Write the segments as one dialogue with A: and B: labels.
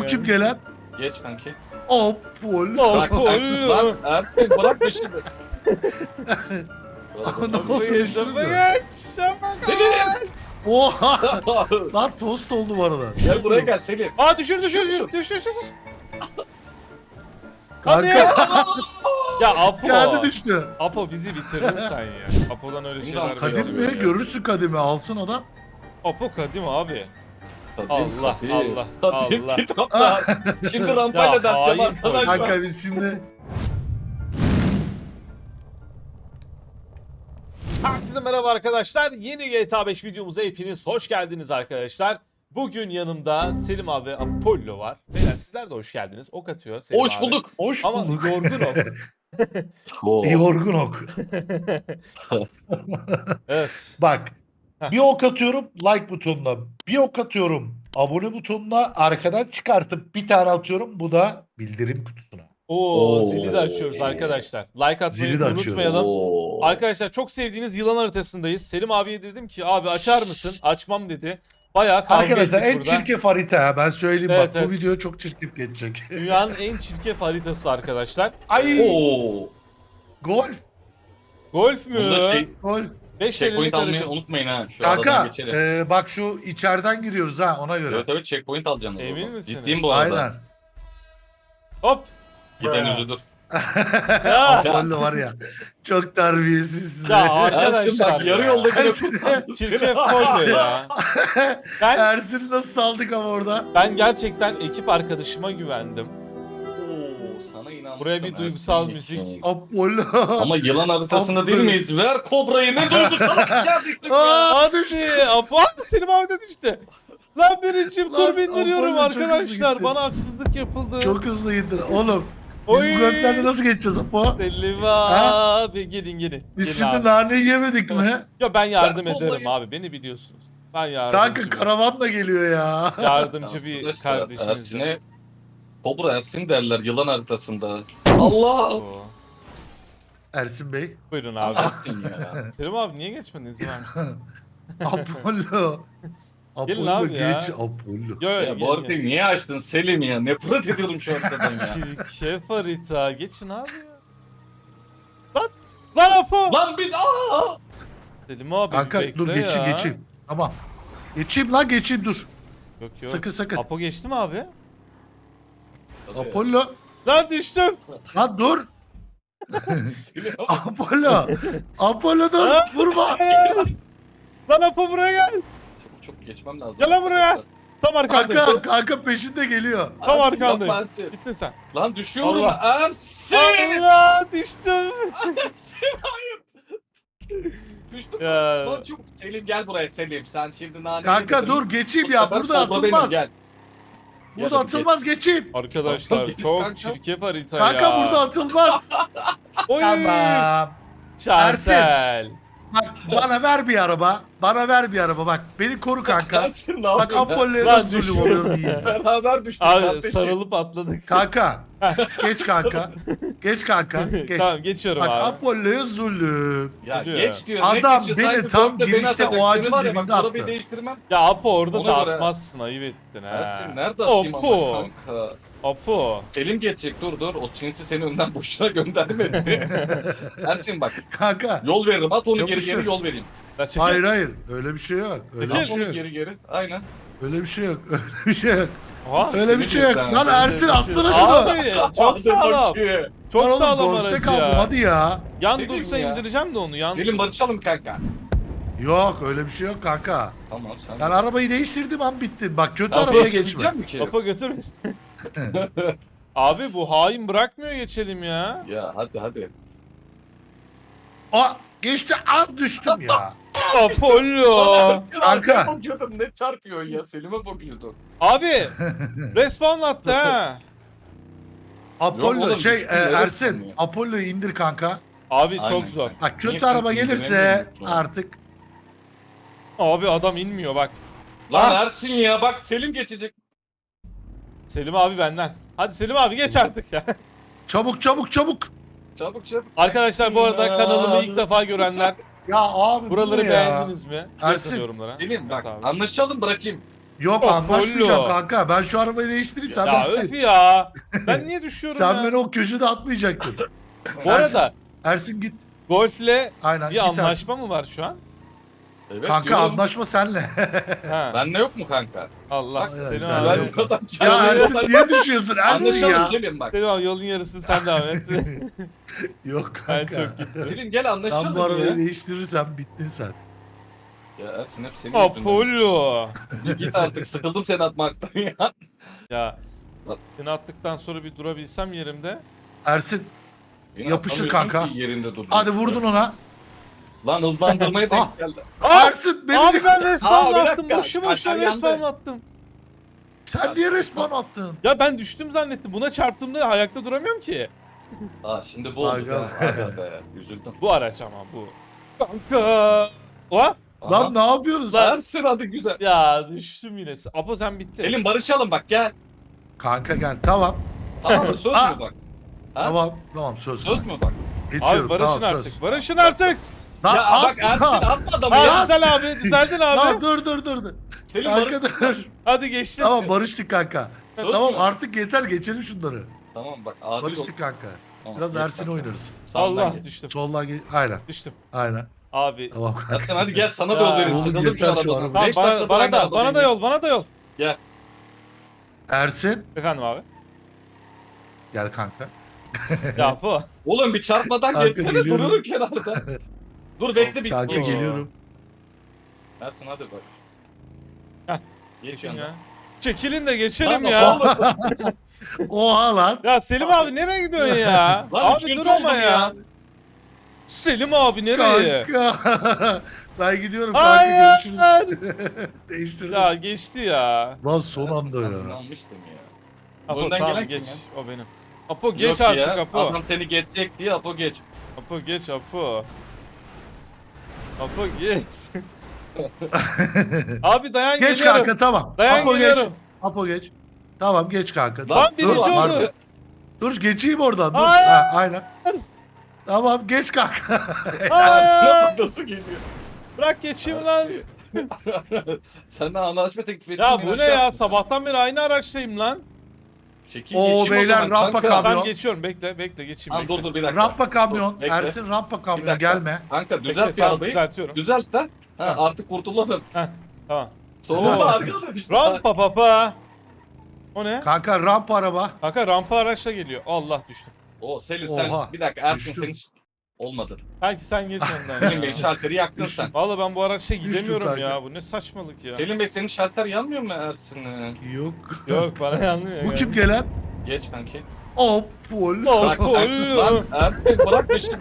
A: bakayım gelen.
B: Geç kanki.
A: Apollo.
B: Bak sen lan Ersin bırak peşimi.
A: Ne oldu düştünüz mü?
B: Selim.
A: Oha. Lan tost oldu bu arada.
B: Gel buraya gel Selim.
C: Aa düşür. Hadi ya.
A: Kanka
C: Ya Apo.
A: geldi düştü.
C: Apo bizi bitirdin sen ya. Apo'dan öyle şeyler
B: Kadim
A: Kadim
C: bekliyorum
A: mi?
C: ya.
A: Görürsün Kadim'i. Alsın adam.
C: Apo kadim abi.
B: Kadim,
C: Allah,
B: Kadim.
C: Allah,
B: Kadim,
C: Allah.
B: kitaplar. Şimdi rampayla
C: Ya,
B: derteceğim
C: hain
B: arkadaşlar.
A: Kanka biz şimdi...
C: Herkese merhaba arkadaşlar. Yeni GTA 5 videomuza hepiniz hoş geldiniz arkadaşlar. Bugün yanımda Selim abi ve Apollo var. Beyler sizler de hoş geldiniz. Ok atıyor Selim
B: Hoş
C: abi.
B: bulduk.
A: Hoş
C: Ama
A: bulduk.
C: yorgun ok.
A: Yorgun ok.
C: Evet.
A: Bak.
C: Heh.
A: Bir ok atıyorum like butonuna. Bir ok atıyorum abone butonuna. Arkadan çıkartıp bir tane atıyorum. Bu da bildirim kutusuna.
C: Oo,
B: Oo.
C: zili de açıyoruz arkadaşlar. Like atmayı
A: Zili de açıyoruz.
C: unutmayalım.
B: Oo.
C: Arkadaşlar çok sevdiğiniz yılan haritasındayız. Selim abiye dedim ki abi açar mısın? Açmam dedi. Bayağı kavga
A: Arkadaşlar
C: ettik
A: en
C: burada.
A: çirkef harita ha. Ben söyleyeyim
C: Evet,
A: bak.
C: evet.
A: Bu video çok çirkef geçecek.
C: Dünyanın en çirkef haritası arkadaşlar.
A: Ay
B: Oo.
A: golf.
C: Golf mü?
B: Bunda şey,
A: Golf.
C: 5
B: checkpoint almayı
C: aracı.
B: unutmayın ha. Şu aradan
A: Kanka
B: geçelim.
A: bak şu içeriden giriyoruz ha ona göre.
B: Evet checkpoint alacaksın. o
C: Emin
B: zaman.
C: misiniz?
B: Ciddiyim bu arada.
A: Aynen.
C: Hop.
B: Giden üzülür.
C: Ya,
A: Apollo var ya. Çok terbiyesiz.
C: ya
B: Ersin bak
C: arkadaşlar
B: yarı
C: ya.
B: yolda yine
A: Ersin-
B: kurtardı
C: Çirkef
B: seni.
C: Apollo ya. Ben,
A: Ersin'i nasıl saldık ama orada?
C: ben gerçekten ekip arkadaşıma güvendim.
B: Oo, sana inanmışım
C: Buraya bir duygusal
B: Ersin
C: müzik.
B: için.
A: Apollo.
B: Ama yılan haritasında
A: Apollo.
B: değil miyiz? Ver kobrayı ne duygusal içerdik ya.
C: Hadi Apo Selim abi de düştü. Lan birincim
A: Lan,
C: tur bindiriyorum
A: Apollo çok hızlı
C: arkadaşlar.
A: gitti.
C: Bana haksızlık yapıldı.
A: Çok hızlı indir. Oğlum. Biz
C: Oy.
A: bu göklerde nasıl geçeceğiz Apo?
C: Selim abi gelin.
A: Biz
C: Gelin
A: şimdi
C: abi.
A: naneyi yemedik mi?
C: Ya ben yardım
B: Ben
C: ederim
B: vallahi-
C: abi beni biliyorsunuz. Ben yardımcı.
A: Kanka karavan da geliyor ya.
C: Yardımcı bir
B: Arkadaşlar,
C: kardeşiniz.
B: Ersin'e Kobra Ersin derler yılan haritasında. Allah!
C: Oo.
A: Ersin Bey.
C: Buyurun abi.
B: Ersin ya.
C: Selim abi niye geçmedin izin vermiştin?
A: Apollo.
C: Gelin
A: Apollo
C: abi ya.
A: geç Apollo.
C: Yo yo
B: Ya bu haritayı niye açtın Selim ya? Nefret ediyorum şu haritadan ya.
C: Çirkef harita. Geçin abi ya. Lan Apo.
B: Lan biz aa!
C: Selim abi
A: Kanka
C: bekle
A: dur
C: ya.
A: geçeyim. Tamam. Geçeyim lan geçeyim dur.
C: Yok yok.
A: Sakın sakın.
C: Apo geçti mi abi?
A: Apollo.
C: Lan düştüm.
A: Lan dur.
B: Selim,
A: Apollo. Apollo dur.
C: Ha?
A: Vurma.
C: Lan Apo buraya gel.
B: çok geçmem lazım.
C: Gel lan buraya. Tam arkandayım.
A: Kanka peşinde geliyor.
C: Tam
B: Ersin,
C: arkandayım.
B: yapma Ersin.
C: Gittin sen.
B: Lan düşüyorum
C: Allah.
B: Ersin!
C: Allah düştüm.
B: Ersin hayır. Düştüm.
C: Ya.
B: Lan çok Selim gel buraya Selim. Sen şimdi nane
A: Kanka
B: yemedin.
A: dur geçeyim
B: Bu
A: ya.
B: sefer
A: Burada
B: kobra benim,
A: atılmaz.
B: Gel.
A: Burada
B: Gel hadi
A: atılmaz geçeyim.
C: Arkadaşlar
B: Geç
C: çok
B: kanka.
C: çirkef harita
A: Kanka
C: ya.
A: burada atılmaz.
C: Oy.
A: Tamam.
C: Şartel.
A: Bak bana ver bir araba. Bana ver bir araba bak. Beni koru kanka.
B: Ersin ne
A: Bak
B: yapıyorsun?
A: Apollo'ya
C: Lan
A: nasıl zulüm
C: düşün.
A: oluyorum iyi izle.
B: Beraber düştük.
C: Abi
B: kardeşim.
C: sarılıp atladık.
A: Kanka. Geç kanka. Geç kanka. Geç.
C: Tamam geçiyorum
A: Bak
C: abi.
A: Apollo'ya zulüm.
B: Ya
C: Geliyor.
B: geç diyor.
A: Adam
B: ne geçiyor?
A: beni
B: Sanki
A: tam
B: dörtte beni
A: girişte
B: atacak.
A: o ağacın
B: Seni var ya, bak,
A: dibinde
B: arabayı
A: attı.
B: değiştirmem.
C: Ya Apo orada
B: Ona
C: da
B: göre-
C: atmazsın ayıp ettin ha.
B: Ersin nerede atayım
C: Apo.
B: ama kanka?
C: Apo.
B: Selim geçecek dur. O sinsi seni önden boşuna göndermedi. Ersin bak
A: Kanka.
B: yol veririm at onu
A: Yapıştır.
B: geri yol vereyim.
C: Ya çekil.
A: Hayır. Öyle bir şey yok. Öyle bir
C: Geçin.
A: şey
B: At
A: yok.
B: onu geri. Aynen.
A: Öyle bir şey yok. Öyle bir şey yok.
C: Aha.
A: Öyle bir şey yok.
B: Sinir
A: Lan
B: yüzden.
A: Ersin atsana şunu.
C: Abi çok
B: Hadi
C: sağlam.
B: bakayım.
C: Çok
A: Lan oğlum,
C: sağlam
A: golfte
C: aracı
A: kaldım,
C: ya.
A: hadi ya.
C: Yan
B: Selim
C: dursa
B: ya.
C: indireceğim de onu yan.
B: Selim barışalım kanka.
A: Yok öyle bir şey yok kanka.
B: Tamam sen.
A: Ben arabayı değiştirdim an bitti. Bak kötü
B: Ya,
A: arabaya
B: bir şey
A: geçme.
B: diyeceğim mi ki?
C: Apo götür beni. Abi bu hain bırakmıyor geçelim ya.
B: Ya hadi.
A: Aa geçti an düştüm ya.
C: Apollo.
B: Ersin
A: Kanka.
B: arkaya bakıyordum ne çarpıyorsun ya Selim'e bakıyordun.
C: Abi respawn attı ha.
A: Apollo
B: oğlum,
A: şey
B: düştüm, nereye
A: Ersin
B: sanıyor?
A: Apollo'yu indir kanka.
C: Abi
B: Aynen.
C: çok zor.
A: Bak kötü
B: Niye
A: araba
B: sen
A: gelirse
B: indiremiyorsun?
A: artık
C: Abi adam inmiyor bak.
B: Lan
C: Ha.
B: Ersin ya bak Selim geçecek.
C: Selim abi benden. Hadi Selim abi geç artık ya.
A: çabuk.
B: Çabuk.
C: Arkadaşlar bu arada kanalımı ilk defa görenler
A: Ya abi
C: buraları
A: bu ne ya?
C: beğendiniz mi?
A: Ersin.
C: Yazın yorumlara.
B: Selim bak
C: Evet abi.
B: anlaşalım bırakayım.
A: Yok
C: Apollo.
A: anlaşmayacağım kanka. Ben şu arabayı değiştireyim sen
C: Ya
A: bekle.
C: öf ya. Ben niye düşüyorum
A: Sen
C: ya?
A: beni o köşede atmayacaktın.
C: Bu arada
A: Ersin git.
C: Golf'le
A: Aynen.
C: bir
A: git Ersin.
C: anlaşma mı var şu an?
B: Evet,
A: Kanka
B: diyorum.
A: anlaşma senle.
C: Ha.
B: Benle yok mu kanka?
C: Allah
A: Bak,
C: seni
A: sen
B: Ben
C: abi.
A: de-
B: bu kadar
A: ya
B: kendime
A: Ersin niye düşüyorsun Ersin
B: Anlaşalım
A: ya?
B: Selim bak.
C: Selim abi yolun yarısını sen devam et.
A: Yok
C: Ben
A: kanka.
C: çok gittim.
B: Selim gel
A: Sen bu
B: anlaşalım
A: arabayı
B: ya.
A: değiştirirsen bittin sen.
B: Ya Ersin hep senin yüzünden.
C: Apollo.
B: Bir git artık sıkıldım seni atmaktan ya.
C: Ya
B: Bak.
C: seni attıktan sonra bir durabilsem yerimde.
A: Ersin
B: Beni
A: Yapıştır
B: atamıyorsun
A: kanka.
B: ki yerinde durdun.
A: hadi vurdun ona.
B: Lan hızlandırmaya
A: Ah.
B: denk geldi.
A: Ersin beni
C: Abi ben
B: Aa,
C: respawn
B: bir
C: attım.
B: dakika.
C: Boşu boşuna
B: Kalper yandı.
C: respawn attım.
A: sen niye respawn attın?
C: Ya ben düştüm zannettim. Buna çarptığımda ayakta duramıyorum ki.
B: Aa şimdi bu oldu
A: Aga.
B: ya. Aga be üzüldüm.
C: Bu araç ama bu. Kanka. Oha.
A: Lan ne yapıyorsunuz?
C: Lan.
B: Ersin hadi güzel.
C: Ya düştüm yine. Apo sen bitti.
B: Selim barışalım bak gel.
A: Kanka gel tamam.
B: Tamam mı söz
A: Aa.
B: mü bak? Ha?
A: Tamam söz.
B: Söz mü bak?
A: Geçiyorum,
C: Abi barışın
A: tamam,
C: artık.
A: söz.
C: Barışın artık.
A: Lan,
B: Ya
A: at-
B: bak Ersin atma adamı
C: Ha
B: ya.
C: güzel abi. Düzeldin abi.
A: Lan dur.
B: Selim
A: Kanka
B: barış.
A: dur.
C: Hadi geçtim.
A: Tamam barıştık kanka.
B: Söz
A: Tamam
B: mü?
A: artık yeter geçelim şunları.
B: Tamam bak adil ol.
A: Barıştık kanka.
B: Tamam,
A: Biraz
B: geç
A: Ersin
B: kanka.
A: oynarız.
B: Sağından
C: Allah
B: geç.
C: düştüm.
A: Soldan aynen.
C: Düştüm.
A: Aynen.
C: Abi.
A: Tamam kanka.
B: Ersin hadi gel sana
C: Ya.
B: da yol vereyim.
A: Oğlum
B: Sıkıldım
A: yeter
B: şu
A: şu
B: arabadan.
A: araba.
C: Tamam,
B: Beş dakikadır
C: bana
B: aynı
C: da
B: arabadayım
C: bana da
B: ya.
C: yol, bana da yol.
A: Ersin
C: Efendim abi.
A: gel kanka.
C: Ya bu.
B: Oğlum bir çarpmadan
A: Kanka,
B: geçsene
A: geliyorum.
B: dururum kenarda. Dur bekle bir.
A: Kanka
C: Oo.
A: geliyorum.
B: Ersin hadi bak.
C: Heh,
B: Geç
C: Çekin
B: yanına.
C: ya. Çekilin de geçelim
B: Lan
C: ya.
B: oğlum,
A: Oha lan.
C: Ya Selim abi nereye gidiyorsun ya?
B: Lan
C: Abi
B: üçüncü
C: dur ama
B: oldum
C: ya. Selim abi nereye?
A: Kanka. Ben gidiyorum
C: Hayır.
A: kanka görüşürüz. Değiştirdim.
C: Ya geçti ya.
A: Lan son
B: Ersin,
A: anda ya.
B: ben inanmıştım ya.
C: Apo
B: Önden
C: tamam
B: gelen
C: geç.
B: kim
C: O benim. Apo geç
B: Yok
C: artık
B: ya,
C: Apo.
B: Adam seni geçecek diye Apo geç.
C: Apo geç Apo. Apo geç. Abi dayan
A: Geç
C: geliyorum.
A: kanka tamam.
C: Dayan
A: Apo geç.
C: geliyorum.
A: Apo geç. Tamam geç kanka.
C: Lan
A: Dur,
C: birinci
A: dur,
C: oldu.
A: pardon. Dur geçeyim oradan. Dur.
C: Hayır.
A: Ha, aynen. Tamam geç kanka.
C: Hayır.
B: Nasıl geliyor?
C: Bırak geçeyim lan.
B: Senden anlaşma teklif ettim.
C: Ya bu ne ya? Sabahtan beri aynı araçtayım lan.
B: Şekil
A: Oo,
B: geçeyim o
A: beyler,
B: zaman
A: rampa
B: kanka.
A: kamyon.
C: Ben geçiyorum. Bekle geçeyim.
B: Lan
C: bekle.
B: dur bir dakika.
A: Rampa kamyon.
B: Dur, bekle.
A: Ersin rampa
B: Bir
A: kamyon
B: dakika.
A: gelme.
B: Kanka
C: Bekle,
B: düzelt bir
C: tamam,
B: arabayı.
C: düzeltiyorum.
B: Düzelt de. Ha,
C: Ha.
B: artık kurtulalım.
C: Tamam.
B: Sonunda
C: Oo.
B: arkadaşlar.
C: Rampa papa. O ne?
A: Kanka rampa araba.
C: Kanka rampa araçla geliyor. Allah düştüm.
B: O Selim sen
A: Oha,
B: bir dakika Ersin
A: düştüm.
B: senin olmadı.
C: Belki sen geç önden
B: Selim Bey
C: ya.
B: şalteri yaktın
A: Düştüm.
B: sen.
C: Valla ben bu araçla
A: Düştüm
C: gidemiyorum
A: kanka.
C: ya. Bu ne saçmalık ya.
B: Selim Bey senin şalter yanmıyor mu Ersin?
A: Yok.
C: Yok bana yanmıyor
A: Bu
C: ya.
A: kim gelen?
B: Geç kanki.
A: Apollo.
B: Bak
C: Apollo.
B: sen lan Ersin bırak peşimi.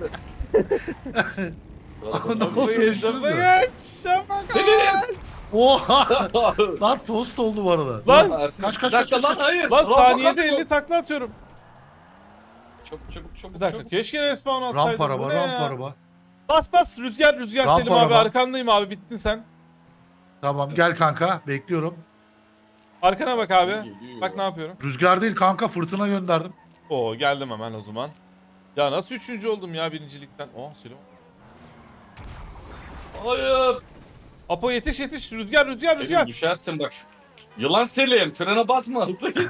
A: Ne oldu,
C: Geç
A: düştünüz mü?
C: geç. Ama
B: Selim!
A: Oha. Lan tost oldu bu arada.
C: Lan!
B: Ersin,
A: Kaç,
B: bir dakika
A: kaç,
B: lan
A: kaç.
B: hayır.
C: Lan
B: Rampa
C: saniyede
B: kamyon.
C: 50 takla atıyorum.
B: Çabuk.
C: Bir dakika keşke respawn atsaydım.
A: Rampa araba,
C: Bu ne
A: rampa
C: ya?
A: araba.
C: Bas rüzgar
A: Rampa
C: Selim abi
A: araba.
C: arkandayım abi bittin sen.
A: Tamam gel kanka bekliyorum.
C: Arkana bak abi.
B: Geliyor.
C: Bak ne yapıyorum.
A: Rüzgar değil kanka fırtına gönderdim.
C: Oo geldim hemen o zaman. Ya nasıl üçüncü oldum ya birincilikten. Oh Selim.
B: Hayır.
C: Apo yetiş rüzgar.
B: Selim düşersin bak. Yılan Selim frene basma hızlı git.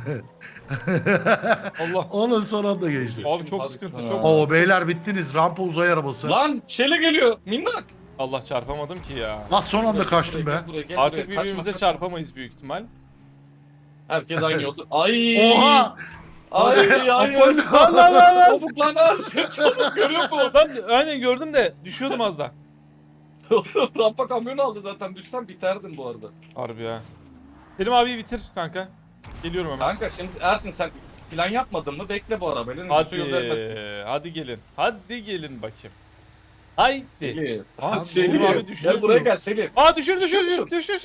C: Allah.
A: Onun son anda geçti.
C: Abi çok
B: Harika.
C: sıkıntı çok
A: Oo
C: sıkıntı.
A: beyler bittiniz. Rampa uzay arabası.
B: Lan çele geliyor minnak.
C: Allah çarpamadım ki ya.
A: Lan son anda kaçtım be.
B: Buraya, gel
C: Artık
B: buraya,
C: birbirimize
B: kaçma.
C: çarpamayız büyük ihtimal.
B: Herkes aynı yolda. Ay.
A: Oha!
B: Ay
A: Apollo!
C: Allah.
B: Çabuk lan Ersin çabuk görüyor musun?
C: Ben aynen gördüm de düşüyordum az da.
B: Rampa kamyonu aldı zaten düşsem biterdim bu arada.
C: Harbi ya. Selim abi bitir kanka. Geliyorum hemen.
B: Kanka şimdi Ersin sen plan yapmadın mı? Bekle bu arabayla. Nüfusu göndermez.
C: Hadi gelin. Hadi gelin bakayım. Haydi.
B: Selim.
C: Aa,
B: Selim
C: Selim abi düştü.
B: Gel buraya gel Selim.
C: Aa düşür. Düş.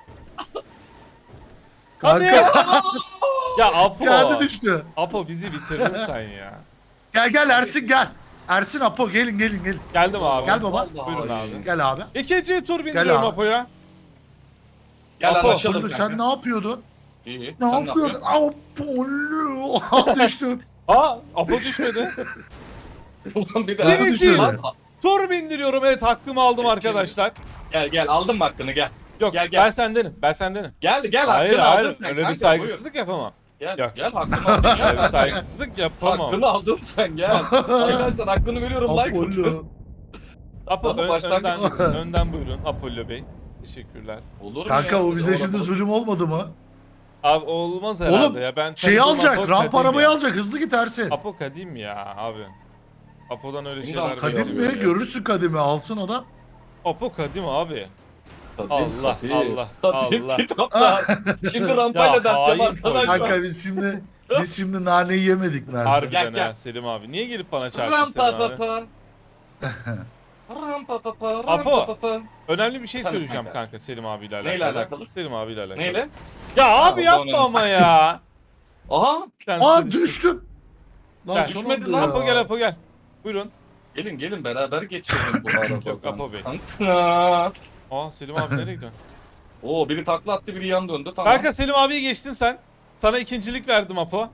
C: Hadi.
A: Kanka
C: Ya Apo.
A: geldi düştü.
C: Apo bizi bitirdin sen ya.
A: Gel Ersin gel. Ersin Apo gelin.
C: Geldim abi.
A: Gel baba.
B: Vallahi
C: Buyurun
B: iyi.
C: abi.
A: Gel abi.
C: İkinci tur bindiriyorum
A: abi.
C: Apo'ya.
B: Gel
C: Apo,
B: anlaşalım
A: Apollo
B: kanka.
A: sen ne yapıyordun?
B: İyi.
A: Ne
B: sen
A: yapıyordun? Apollo. Oha düştüm.
C: Aa Apo düşmedi.
B: Ulan bir daha.
C: Birinci.
A: düşmedi.
B: Lan,
C: Tur bindiriyorum evet hakkımı aldım arkadaşlar.
B: Gel aldım mı hakkını gel.
C: Yok
B: Gel, gel.
C: ben sendenim. Ben sendenim.
B: Gel
C: Hayır
B: hakkını aldın
C: hayır
B: sen.
C: öyle bir
B: kanka,
C: saygısızlık yapamam.
B: buyur.
C: Yok.
B: Gel hakkını aldın
C: Öyle bir
B: ya.
C: saygısızlık yapamam.
B: Hakkını aldın sen gel. Arkadaşlar hakkını veriyorum like atın.
A: Apollo.
C: Apo
B: Ama başlangıç gibi.
C: önden buyurun Apollo Bey. Teşekkürler.
B: Olur mu
A: Kanka
B: ya?
A: o bize
B: Orada-
A: şimdi zulüm olmadı mı?
C: Abi olmaz herhalde
A: Oğlum,
C: ya. Ben
A: Şeyi
C: tanıdığım
A: alacak,
C: Apo
A: ramp
C: kadim
A: arabayı
C: ya.
A: alacak, hızlı git Ersin.
C: Apo kadim ya abi. Apo'dan öyle
B: Şimdi
C: şeyler
B: Kadim
A: Kadim
C: bekliyorum.
A: mi?
B: ya.
A: Görürsün Kadim'i, alsın adam.
C: Apo kadim abi.
B: Kadim,
C: Allah,
B: Kadim,
C: Allah,
B: Kadim
C: Allah.
B: kitaplar. Şimdi rampayla
C: Ya,
B: derteceğim
C: hain
B: arkadaşlar.
A: Kanka biz şimdi naneyi yemedik Mersin.
C: Harbiden
B: Gel.
C: ha Selim abi. Niye gelip bana çarptın
B: Rampa
C: Selim abi?
B: papa. Rampa papa.
C: Apo.
B: Rampa papa.
C: Önemli bir şey
B: Tabii
C: söyleyeceğim
B: kanka.
C: kanka Selim abiyle alakalı.
B: Neyle alakalı?
C: Selim abiyle alakalı.
B: Neyle?
C: Ya abi
B: o
C: yapma
B: önemli.
C: ama ya.
B: Aha.
C: Sen
A: Aa
C: düştün.
A: düştüm. Lan
C: Gel.
A: son
B: Düşmedi
A: anda
B: lan.
A: ya.
C: Apo gel Apo gel. Buyurun.
B: Gelin beraber geçelim bu arabadan.
C: Yok, Apo Bey.
B: Kanka.
C: Aa Selim abi nereye gidiyorsun?
B: Oo biri takla attı biri yan döndü tamam.
C: Kanka Selim abiyi geçtin sen. Sana ikincilik verdim Apo.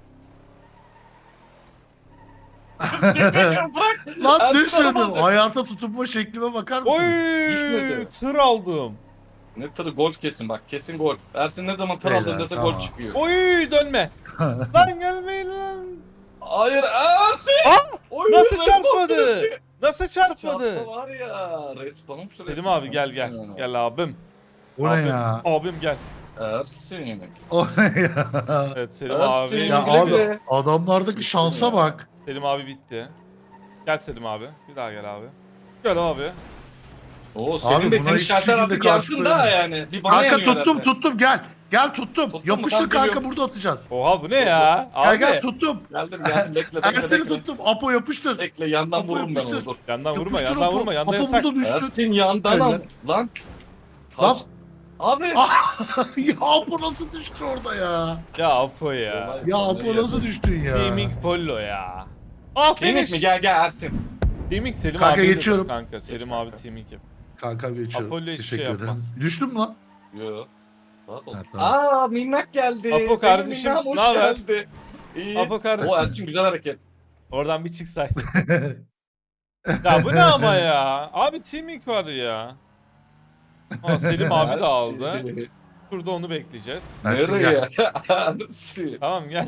B: Bırak.
A: Lan
B: Ersin
A: düşmedim.
B: araba alacak.
A: Hayata tutunma şeklime bakar mısın?
C: Oy!
B: Düşmedi.
C: Tır aldım.
B: Ne tırı golf kesin bak kesin golf. Ersin ne zaman tır
A: Beyler,
B: aldın dese
A: tamam.
B: gol çıkıyor.
C: Oy dönme. Lan gelmeyin lan.
B: Hayır Ersin!
C: Aa!
B: Oy,
C: Nasıl
B: respawn
C: çarpmadı?
B: süresi.
C: Nasıl çarpmadı?
B: Çarptı var ya. Respawn'um süresi.
C: Selim abi gel gel. Gel abim.
A: O ne
C: Abim,
A: ya?
C: abim gel.
B: Ersin.
A: O ne ya?
C: Evet Selim
B: Ersin.
C: abi.
A: Ya
B: Güle
A: abi
B: güle.
A: adamlardaki şansa bak.
C: Selim abi bitti. Gel Selim abi. Bir daha gel abi. Gel abi.
B: Oo
A: Abi
B: senin de
A: buna
B: senin
A: hiçbir
B: şartlar
A: şekilde
B: artık yansın da
A: karşılayamam.
B: yani. Bir bana
A: Kanka
B: yanıyor
A: tuttum
B: herhalde.
A: gel. Gel tuttum.
B: Tuttum,
A: Yapıştır
B: tamam,
A: kanka
B: geliyorum.
A: burada atacağız.
C: Oha bu ne ya?
A: Gel
C: Abi.
A: gel tuttum.
B: Geldim bekle
A: Ersin'i
B: bekle.
A: tuttum. Apo yapıştır.
B: Bekle yandan
A: Apo
B: vururum ben
A: yapıştır.
B: onu dur.
C: Yandan vurma,
A: Yapıştır
C: yandan
A: Apo.
C: vurma. Yanda
A: Apo
C: yasak.
A: burada düşsün.
B: Ersin yandan al.
A: Evet.
B: Lan.
A: Lan.
B: Kaç. Abi.
A: Ya Apo nasıl düştü orada ya?
C: Ya Apo ya.
A: Ya Apo nasıl düştün ya?
C: Teaming Pollo ya. Ah
B: Teaming
C: finish.
B: mi? Gel Ersin.
C: Teaming Selim
A: Kanka
C: abi.
A: geçiyorum.
C: Kanka Selim
B: Geç
C: abi
B: kanka.
C: teaming yap.
A: Kanka geçiyorum.
C: Apollo hiçbir şey
A: Teşekkür ederim.
C: yapmaz.
A: Düştüm mü lan?
B: Yo. Rahat ol.
A: Ha, tamam.
B: Aa minnak geldi.
C: Apo
B: Benim
C: kardeşim,
B: minnam hoş
C: naber?
B: geldi. İyi.
C: Apo kardeşim.
B: O Ersin güzel hareket.
C: Oradan bir çıksaydın. Ya bu ne ama ya? Abi teaming var ya. Aa, Selim abi de aldı. Şurada onu bekleyeceğiz.
A: Ersin
B: Nereye?
A: gel.
B: Ersin.
C: Tamam gel.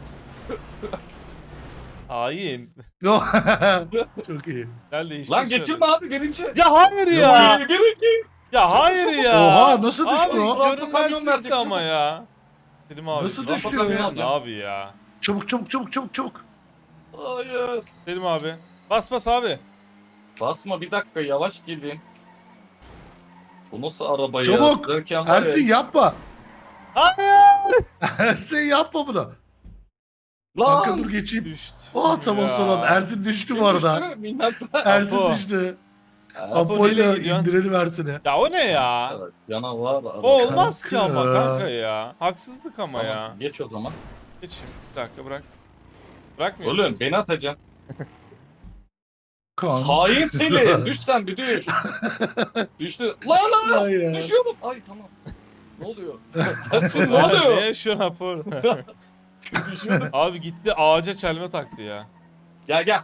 C: Hain.
A: Çok iyi.
C: Gel değiştir.
B: Lan
C: şöyle.
B: geçirme abi birinci.
C: Ya hayır ya.
B: Birinci.
C: Ya hayır ya.
A: Oha, nasıl düştü
C: abi,
A: o?
B: Rampa kamyon
C: görünmezlikti
B: verecek,
C: ama
B: çabuk.
C: ya. Selim abi.
A: Nasıl
C: rampa
A: düştü
C: kamyon
B: ya?
C: Abi ya.
A: Çabuk çabuk çabuk çabuk çabuk.
B: Hayır.
C: Selim abi. Bas bas abi.
B: Basma bir dakika yavaş gidin. Bu nasıl araba ya?
A: Çabuk.
B: Sürerken var
A: Ersin
B: ya.
A: yapma.
C: Hayır.
A: Ersin yapma bunu.
B: Lan.
A: Kanka dur geçeyim.
C: Düştü.
A: Oh tamam
C: ya.
A: sonra Ersin düştü bu arada.
B: Düştü, minnaklar.
A: Ersin
C: Apo.
A: düştü.
C: nereye
A: Apollo
C: gidiyorsun?
A: indirelim Ersin'i.
C: Ya o ne ya?
B: Evet, canavar araba.
C: O olmaz ki
A: Kanka.
C: ama kanka ya. Haksızlık ama
B: Tamam,
C: ya.
B: geç o zaman.
C: Geç şimdi. Bir dakika bırak. Bırakmıyor.
B: Oğlum beni atacaksın.
A: Kanka.
B: Hain Selim. Düş sen bir düş. Düştü. Lan lan.
A: Ay ya.
B: Düşüyorum. Ay tamam. Ne oluyor? Ersin ne
C: Ne
B: oluyor?
C: yaşıyorsun Apo orada?
B: Düşüyordum.
C: Abi gitti ağaca çelme taktı ya.
B: Gel gel.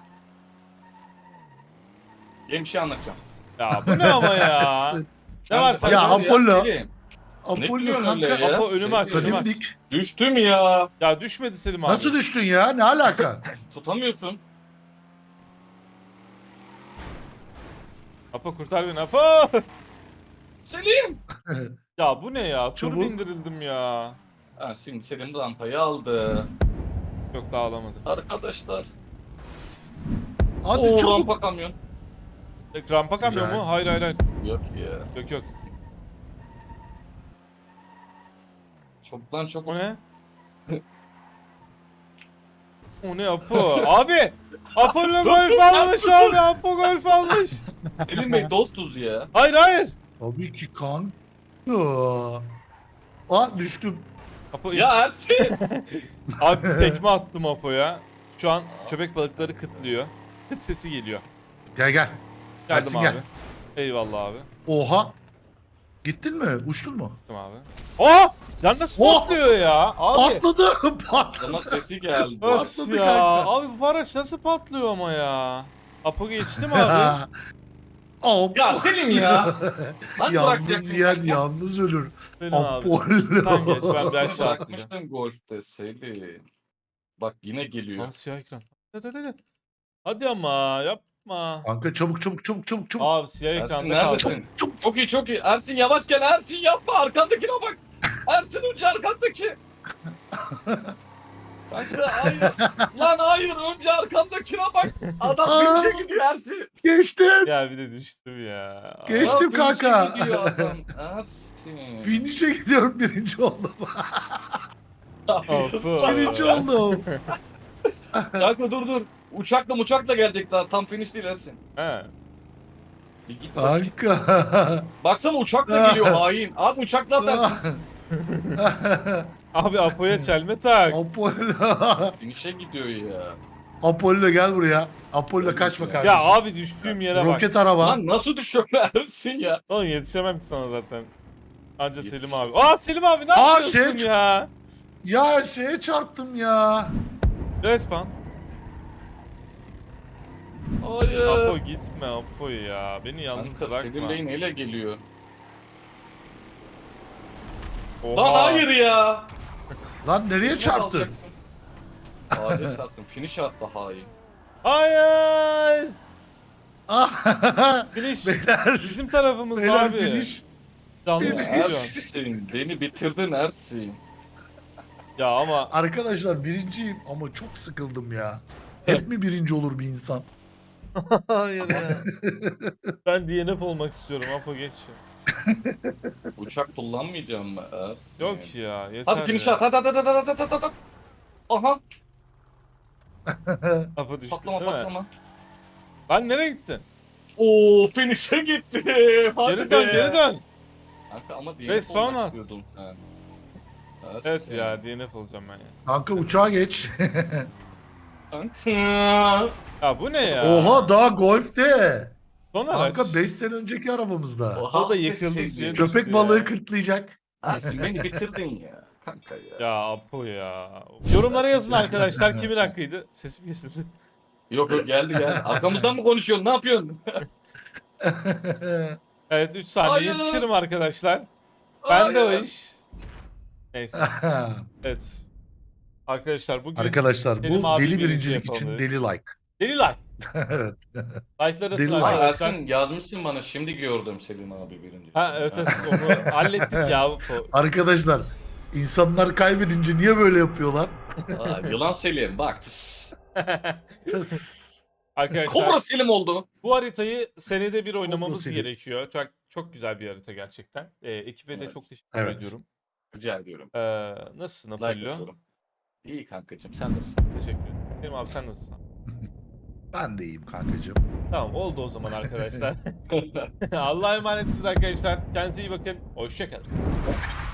B: Yeni bir şey anlatacağım.
C: Ya bu ne ama ya?
A: Ersin.
C: Ne var
B: Sen-
C: sende?
A: Ya
B: Selim,
A: Apollo.
B: Ne
A: Apollo
B: biliyorsun öyle
A: kanka.
B: ya?
C: Apo önümü aç, önümü aç.
A: Kalimdik.
B: Düştüm ya.
C: Ya düşmedi Selim abi.
A: Nasıl düştün ya? Ne alaka?
B: Tutamıyorsun.
C: Apo kurtar beni Apo.
B: Selim.
C: Ya bu ne ya? Tur
A: Çabuk.
C: bindirildim ya.
B: Ha, şimdi Selim rampayı aldı.
C: Yok daha alamadı.
B: Arkadaşlar.
A: Hadi
B: Oo
A: çabuk.
B: rampa kamyon.
C: Rampa kamyon
A: Güzel.
C: mu? Hayır hayır hayır.
B: Yok ya.
C: Yok yok.
B: Çoktan çok.
C: O ne? O ne Apo? Abi! Apollo
B: Sus,
C: golf
B: sus,
C: almış
B: sus,
C: abi. Apo golf almış.
B: Selim Bey dostuz ya.
C: Hayır hayır.
A: Tabii ki kanka. Aa düştüm.
C: Apo
B: Ya Ersin.
C: abi tekme attım Apo'ya. Şu an köpek balıkları kıtlıyor. Kıt sesi geliyor.
A: Gel gel.
C: Geldim
A: Ersin
C: abi.
A: gel.
C: Eyvallah abi.
A: Oha. Gittin mi? Uçtun mu?
C: Tamam abi. Oh! Ya nasıl
A: Oh!
C: patlıyor ya? Abi.
A: Atladı. Patladı.
B: Sana sesi geldi.
C: Öf
A: Patladı
C: ya.
A: kanka.
C: Abi bu araç nasıl patlıyor ama ya? Apo geçti mi abi?
A: Hop.
B: Ya Selim ya. Lan
A: Yalnız
B: bırakacaktın
A: yiyen
B: kanka.
A: yalnız ölür.
C: Benim abi.
A: Apollo.
C: Sen geç, ben bir aşağı atlayacağım.
B: Bırakmıştın golfte Selim. Bak yine geliyor.
C: Aa, siyah ekran. Hadi. Hadi ama yapma.
A: Kanka çabuk.
C: Abi siyah
B: Ersin
C: ekranda kaldı.
B: neredesin? Çok iyi çok iyi. Ersin yavaş gel Ersin yapma arkandakine bak. Ersin önce arkandaki. Kanka hayır. Lan hayır önce arkandakine bak. Adam finish'e gidiyor Ersin.
A: Geçtim.
C: Ya bir de düştüm ya.
A: Geçtim
B: Adam finish'e
A: kanka.
B: gidiyor adam. Ersin.
A: Finish'e gidiyorum, birinci oldum.
C: Of.
A: Birinci oldum.
B: Kanka dur. Uçakla gelecek daha. Tam finish değil Ersin.
C: He.
B: Bir git bakayım.
A: Kanka.
B: Baksana uçakla geliyor hain. Abi uçakla atarsın.
C: Abi Apo'ya çelme tak.
A: Apollo.
B: Finish'e gidiyor ya.
A: Apollo gel buraya. Apollo kaçma kardeşim.
C: Ya abi düştüğüm yere bak.
A: Roket araba.
B: Lan nasıl düşüyor Ersin ya?
C: Oğlum yetişemem ki sana zaten. Anca Selim abi. Aa Selim abi ne
A: Aa,
C: yapıyorsun
A: şey-
C: ya?
A: Ya şeye çarptım ya.
C: Respawn.
B: Hayır.
C: Apo gitme Apo ya. Beni yalnız
B: Kanka Selim
C: bırakma.
B: Bey neyle geliyor?
C: Oha.
B: Lan hayır ya.
A: Lan nereye çarptın?
B: Ağaca çarptım. Finish attı hain.
C: Hayır.
A: Ah,
C: Finish.
A: beyler.
C: Bizim tarafımız
A: Beyler
C: abi.
A: finish.
C: Yanlış
A: Finish.
C: gidiyor.
B: Ersin beni bitirdin Ersin.
C: Ya ama
A: Arkadaşlar birinciyim ama çok sıkıldım ya. Hep mi birinci olur bir insan?
C: hayır ya. Ben DNF olmak istiyorum Apo geç.
B: Uçak kullanmayacağım mı Ersin?
C: Yok ya yeter
B: Hadi finish
C: ya.
B: at. Hadi. Aha.
C: Apo düştü
B: Patlama
C: değil mi?
B: patlama.
C: Lan nereye gittin?
B: Oo finish'e gitti. Hadi
C: Geri dön
B: be.
C: geri dön.
B: Kanka ama DNF
C: Respawn
B: olmak
C: at.
B: istiyordun sen.
C: Evet ya DNF olacağım ben ya.
A: Kanka uçağa geç.
B: Kanka.
C: Ya bu ne ya?
A: Oha daha golfte.
C: Son araç.
A: Kanka 5 sene önceki arabamızda.
C: O da yıkıldı
B: Selim.
C: suya düştü
A: Köpek
C: ya.
A: balığı kırtlayacak.
B: Ersin beni bitirdin ya. Kanka ya.
C: Ya Apo ya. Yorumlara yazın arkadaşlar kimin hakkıydı? Sesim kesildi.
B: Yok geldi. Arkamızdan mı konuşuyorsun? Ne yapıyorsun?
C: Evet 3 saniye
B: Hayır.
C: yetişirim arkadaşlar. Ben de o
B: Hayır.
C: iş. Neyse. Evet. Arkadaşlar bugün
A: Arkadaşlar
C: Selim
A: bu
C: abi
A: deli
C: birinci
A: birincilik
C: yapalım
A: için
C: dedik.
A: deli like.
C: deli like.
A: Evet.
C: Like'ları atın
A: Deli like.
B: Aa,
C: arkadaşlar.
B: Ersin yazmışsın bana. Şimdi gördüm Selim abi birinci.
C: Ha evet onu hallettik ya. Apo.
A: Arkadaşlar insanlar kaybedince niye böyle yapıyorlar?
B: Aa, yılan Selim bak. tıs.
C: Arkadaşlar
B: Kobra Selim oldu.
C: bu haritayı senede bir oynamamız
A: Selim.
C: gerekiyor. Çok güzel bir harita gerçekten. Ekibe de
B: Evet.
C: çok teşekkür
A: Evet.
C: ediyorum.
B: Rica ediyorum.
C: Nasılsın
B: Like
C: Apollo?
B: atıyorum. İyi kankacığım sen nasılsın?
C: Teşekkür ederim. Selim abi sen nasılsın?
A: Ben de iyiyim kankacığım.
C: Tamam oldu o zaman arkadaşlar. Allah'a emanetsiniz arkadaşlar. Kendinize iyi bakın. Hoşçakalın.